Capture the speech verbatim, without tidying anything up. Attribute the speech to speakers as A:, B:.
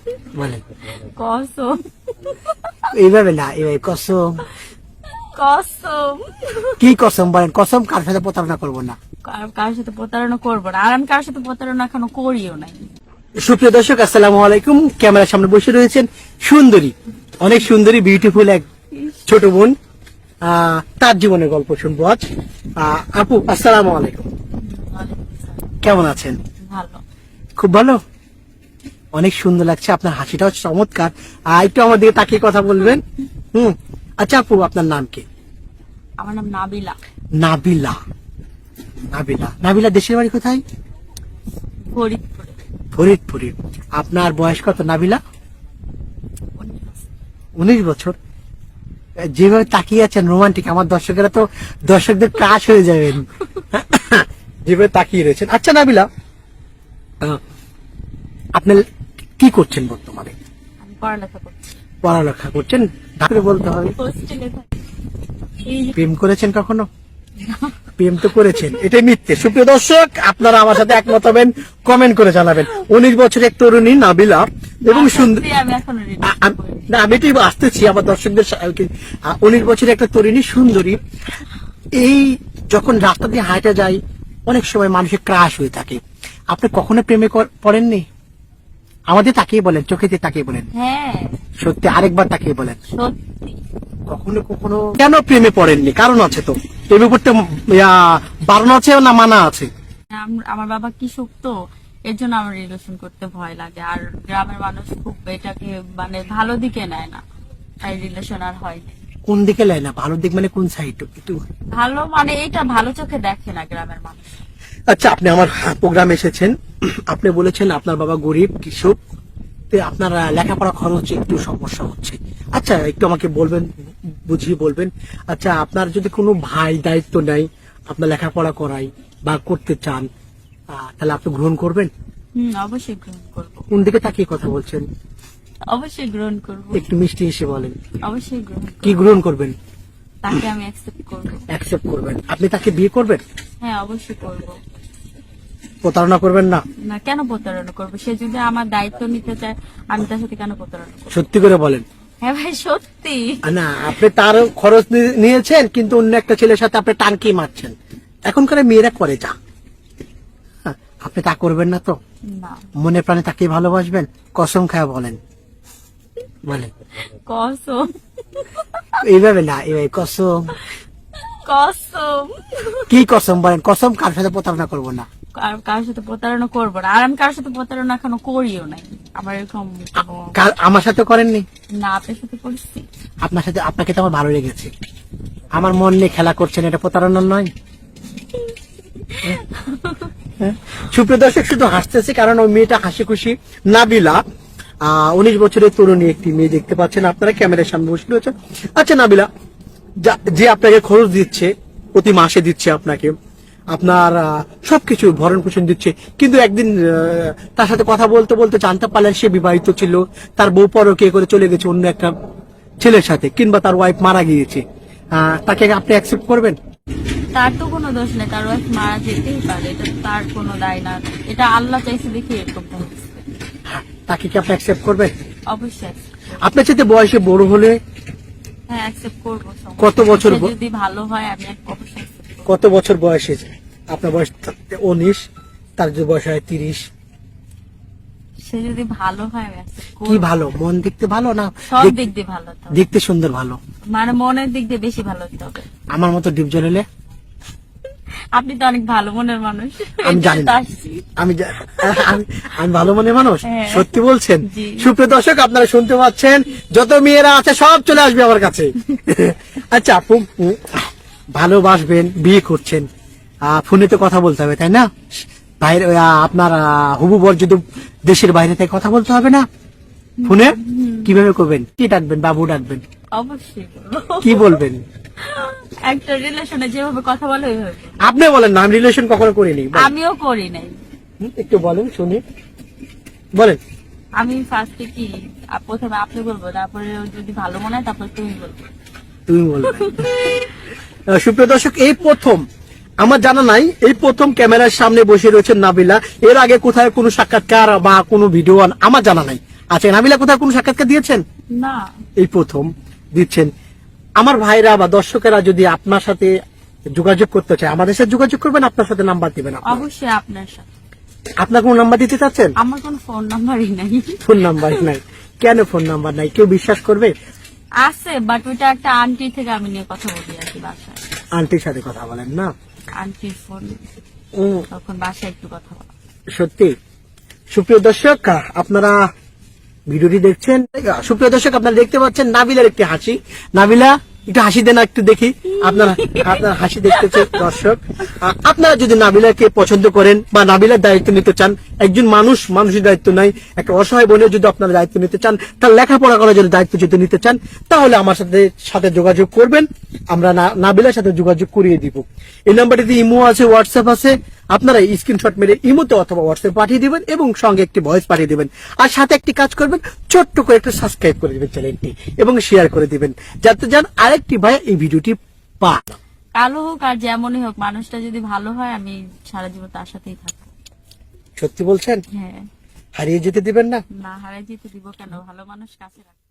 A: বলেন।
B: কসম।
A: এইভাবে না, এইভাবে কসম।
B: কসম।
A: কি কসম বলেন? কসম কার সাথে প্রতারণা করবো না।
B: কার- কারোর সাথে প্রতারণা করবো না, আর আমি কারোর সাথে প্রতারণা এখনো করিও নাই।
A: সুপ্রিয় দর্শক, আসসালামু আলাইকুম। ক্যামেরার সামনে বসে রয়েছেন সুন্দরী, অনেক সুন্দরী, বিউটিফুল এক ছোট বোন। আহ, তার জীবনের গল্প শুনবো আজ। আহ, আপু আসসালামু আলাইকুম, কেমন আছেন?
B: ভালো।
A: খুব ভালো, অনেক সুন্দর লাগছে, আপনার হাসিটাও চমৎকার। আহ, একটু আমার দিকে তাকিয়ে কথা বলবেন। হুম, আচ্ছা আপু, আপনার নাম কি?
B: আমার নাম নাবিলা।
A: নাবিলা। নাবিলা, নাবিলা দেশের বাড়ি কোথায়?
B: ফরিদপুরে।
A: ফরিদপুরে। আপনার বয়স কত নাবিলা? উনিশ বছর। যেভাবে তাকিয়ে আছেন রোমান্টিক, আমার দর্শকেরা তো দর্শকদের ক্রাশ হয়ে যাবেন যেভাবে তাকিয়ে রয়েছেন। আচ্ছা নাবিলা, আহ, আপনি কি করছেন বর্তমানে?
B: আমি পড়ালেখা করছি।
A: পড়ালেখা করছেন, ঢাকায় বলতে হবে।
B: হোস্টেলে থাকি। এই যে-
A: প্রেম করেছেন কখনো? প্রেম তো করেছেন, এটাই মিথ্যে। সুপ্রিয় দর্শক, আপনারা আমার সাথে একমত হবেন, কমেন্ট করে জানাবেন। উনিশ বছরের এক তরুণী নাবিলা এবং সুন্দর।
B: সত্যি আমি এখনো ready
A: আ- আম- না, আমি এটাই আসতেছি আমার দর্শকদের উনিশ বছরের একটা তরুণী সুন্দরী। এই যখন রাস্তা দিয়ে হাঁটা যায়, অনেক সময় মানুষের ক্রাশ হয়ে থাকে। আপনি কখনো প্রেমে কর- পড়েননি? আমাদের তাকিয়ে বলেন, চোখেতে তাকিয়ে বলেন।
B: হ্যাঁ
A: সত্যি, আরেকবার তাকিয়ে বলেন।
B: সত্যি।
A: কখনো কখনো কেন প্রেমে পড়েননি? কারণ আছে তো, প্রেমে পড়তে ইয়া, বারণ আছে না মানা আছে?
B: আম- আমার বাবা কৃষক তো, এর জন্য আমার রিলেশন করতে ভয় লাগে। আর গ্রামের মানুষ খুব এটাকে মানে ভালো দিকে নেয় না, তাই রিলেশন আর হয়নি।
A: কোন দিকে লাই না? ভালো দিক মানে কোন সাইড? একটু।
B: ভালো মানে এটা ভালো চোখে দেখে না গ্রামের মানুষ।
A: আচ্ছা, আপনি আমার প্রোগ্রামে এসেছেন, আপনি বলেছেন আপনার বাবা গরিব কৃষক, তো আপনার আহ, লেখাপড়া খরচ একটু সমস্যা হচ্ছে। আচ্ছা, একটু আমাকে বলবেন, বুঝিয়ে বলবেন। আচ্ছা, আপনার যদি কোনো ভাই দায়িত্ব নেয়, আপনার লেখাপড়া করাই বা করতে চান, আহ, তাহলে আপনি গ্রহণ করবেন?
B: হম অবশ্যই গ্রহণ করবো।
A: কোন দিকে তাকিয়ে কথা বলছেন?
B: অবশ্যই গ্রহণ করবো।
A: একটু মিষ্টি এসে বলেন।
B: অবশ্যই গ্রহণ করবো।
A: কি গ্রহণ করবেন?
B: তাকে আমি অ্যাকসেপ্ট করবো।
A: অ্যাকসেপ্ট করবেন। আপনি তাকে বিয়ে করবেন?
B: হ্যাঁ অবশ্যই করবো।
A: প্রতারণা করবেন না?
B: না, কেন প্রতারণা করবো? সে যদি আমার দায়িত্ব নিতে চায়, আমি তার সাথে কেন প্রতারণা করবো?
A: সত্যি করে বলেন।
B: হ্যাঁ ভাই সত্যি।
A: না, আপনি তার খরচ নি- নিয়েছেন, কিন্তু অন্য একটা ছেলের সাথে আপনি টানকি মারছেন। এখনকার মেয়েরা করে যা, হ্যাঁ, আপনি তা করবেন না তো?
B: না।
A: মনে প্রাণে তাকে ভালোবাসবেন? কসম খায় বলেন। বলেন।
B: কসম।
A: এইভাবে না, এইভাবে কসম।
B: কসম।
A: কি কসম বলেন? কসম কার সাথে প্রতারণা করবো না।
B: কার- কারোর সাথে প্রতারণা করবো না, আর আমি কারোর সাথে প্রতারণা এখনো করিও নাই। আমার এরকম কোনো-
A: কার- আমার সাথে করেননি?
B: না, আপনার সাথে করছি।
A: আপনার সাথে, আপনাকে তো আমার ভালো লেগেছে। আমার মন নিয়ে খেলা করছেন, এটা প্রতারণা নয়? হ্যাঁ? সুপ্রিয় দর্শক, শুধু হাসতেছে কারণ ওই মেয়েটা হাসি খুশি। নাবিলা, আহ উনিশ বছরের তরুণী একটি মেয়ে, দেখতে পাচ্ছেন আপনারা ক্যামেরার সামনে বসে রয়েছেন। আচ্ছা নাবিলা, যা- যে আপনাকে খরচ দিচ্ছে, প্রতি মাসে দিচ্ছে আপনাকে, আপনার আহ, সবকিছু ভরণ পোষণ দিচ্ছে, কিন্তু একদিন আহ, তার সাথে কথা বলতে বলতে জানতে পারলেন সে বিবাহিত ছিল, তার বউ পরকীয়া করে চলে গেছে অন্য একটা ছেলের সাথে, কিংবা তার ওয়াইফ মারা গিয়েছে, আহ, তাকে আপনি অ্যাকসেপ্ট করবেন?
B: তার তো কোনো দোষ নেই, তার ওয়াইফ মারা যেতেই পারে, এটা তো তার কোনো দায় না। এটা আল্লাহ চাইছে দেখে এরকমটা হচ্ছে।
A: তাকে কি আপনি অ্যাকসেপ্ট করবেন?
B: অবশ্যই accept করবো।
A: আপনার সাথে বয়সে বড় হলে
B: হ্যাঁ অ্যাকসেপ্ট করবো। সমস্যা
A: কত
B: নেই।
A: বছর
B: সে
A: ব-
B: যদি ভালো হয় আমি অবশ্যই accept করবো।
A: কত বছর বয়সে? আপনার বয়স উনিশ, তার যদি বয়স হয় তিরিশ।
B: সে যদি ভালো হয় আমি accept
A: কি
B: করবো।
A: ভালো? মন দেখতে ভালো না
B: সব
A: দেখ-
B: দিক দিয়ে ভালো হতে হবে।
A: দেখতে সুন্দর ভালো?
B: মানে মনের দিক দিয়ে বেশি ভালো হতে হবে।
A: আমার মতো ডিপ জলেলে?
B: আপনি তো অনেক ভালো মনের মানুষ।
A: আমি জানি না।
B: আসছি।
A: আমি জা- আমি- আমি ভালো মনে মানুষ?
B: হ্যাঁ।
A: সত্যি বলছেন?
B: জি।
A: সুপ্রিয় দর্শক, আপনারা শুনতে পাচ্ছেন, যত মেয়েরা আছে সব চলে আসবে আমার কাছে। আচ্ছা আপু, উম, ভালোবাসবেন, বিয়ে করছেন, আহ, ফোনে তো কথা বলতে হবে তাই না? বাইরে আহ, আপনার আহ, হবু বর যদি দেশের বাইরে থেকে কথা বলতে হবে না ফোনে? কিভাবে করবেন? কি ডাকবেন? বাবু ডাকবেন?
B: অবশ্যই করবো।
A: কি বলবেন?
B: একটা রিলেশনে যেভাবে কথা বলে ওইভাবে।
A: আপনি বলেন না, আমি রিলেশন কখনো করিনি। বলেন।
B: আমিও করি নাই।
A: হুম, একটু বলেন শুনি, বলেন।
B: আমি ফার্স্টে কি আ- প্রথমে আপনি বলবো, তারপরে যদি ভালো মনে হয় তারপরে তুমি বলবো।
A: তুমি বলবে। আহ, সুপ্রিয় দর্শক, এই প্রথম, আমার জানা নাই, এই প্রথম ক্যামেরার সামনে বসে রয়েছেন নাবিলা। এর আগে কোথায় কোনো সাক্ষাৎকার বা কোনো ভিডিও আমার জানা নাই। আচ্ছা, নাবিলা কোথাও কোনো সাক্ষাৎকার দিয়েছেন?
B: না।
A: এই প্রথম দিচ্ছেন। আমার ভাইরা বা দর্শকেরা যদি আপনার সাথে যোগাযোগ করতে চায়, আমাদের সাথে যোগাযোগ করবেন, আপনার সাথে নাম্বার দিবেন। আপনার
B: অবশ্যই আপনার সাথে।
A: আপনার কোন নাম্বার দিতে চাচ্ছেন?
B: আমার কোনো ফোন নাম্বারই নাই।
A: ফোন নাম্বার নাই? কেন ফোন নাম্বার নাই? কেউ বিশ্বাস করবে?
B: আছে, বাট ওইটা একটা আন্টি থেকে আমি নিয়ে কথা বলি আর কি বাসায়।
A: আন্টির সাথে কথা বলেন না?
B: আন্টির ফোন,
A: উম,
B: তখন বাসায় একটু কথা বলা।
A: সত্যি। সুপ্রিয় দর্শক, আপনারা ভিডিওটি দেখছেন, সুপ্রিয় দর্শক আপনারা দেখতে পাচ্ছেন নাবিলার একটি হাসি। নাবিলা একটু হাসি দেন, একটু দেখি। আপনারা আপনার হাসি দেখতেছে দর্শক। আ, আপনারা যদি নাবিলাকে পছন্দ করেন বা নাবিলার দায়িত্ব নিতে চান, একজন মানুষ মানুষের দায়িত্ব নাই, একটা অসহায় বোনের যদি আপনারা দায়িত্ব নিতে চান, তার লেখাপড়া করার যদি দায়িত্ব যদি নিতে চান, তাহলে আমার সাথে সাথে যোগাযোগ করবেন। আমরা না- নাবিলার সাথে যোগাযোগ করিয়ে দিব। এই নাম্বারটিতে ইমো আছে, হোয়াটসঅ্যাপ আছে। আপনারা স্ক্রিনশট মেরে ইমোতে অথবা হোয়াটসঅ্যাপ পাঠিয়ে দিবেন এবং সঙ্গে একটি ভয়েস পাঠিয়ে দিবেন। আর সাথে একটি কাজ করবেন, ছোট্ট করে একটু সাবস্ক্রাইব করে দিবেন চ্যানেলটি এবং শেয়ার করে দিবেন, যাতে যান আরেকটি ভাই এই ভিডিওটি পান।
B: কালো হোক আর যেমনই হোক, মানুষটা যদি ভালো হয় আমি সারা জীবন তার সাথেই থাকবো।
A: সত্যি বলছেন?
B: হ্যাঁ।
A: হারিয়ে যেতে দিবেন না?
B: না হারাই যেতে দিব কেন, ভালো মানুষ কাছে রাখবো।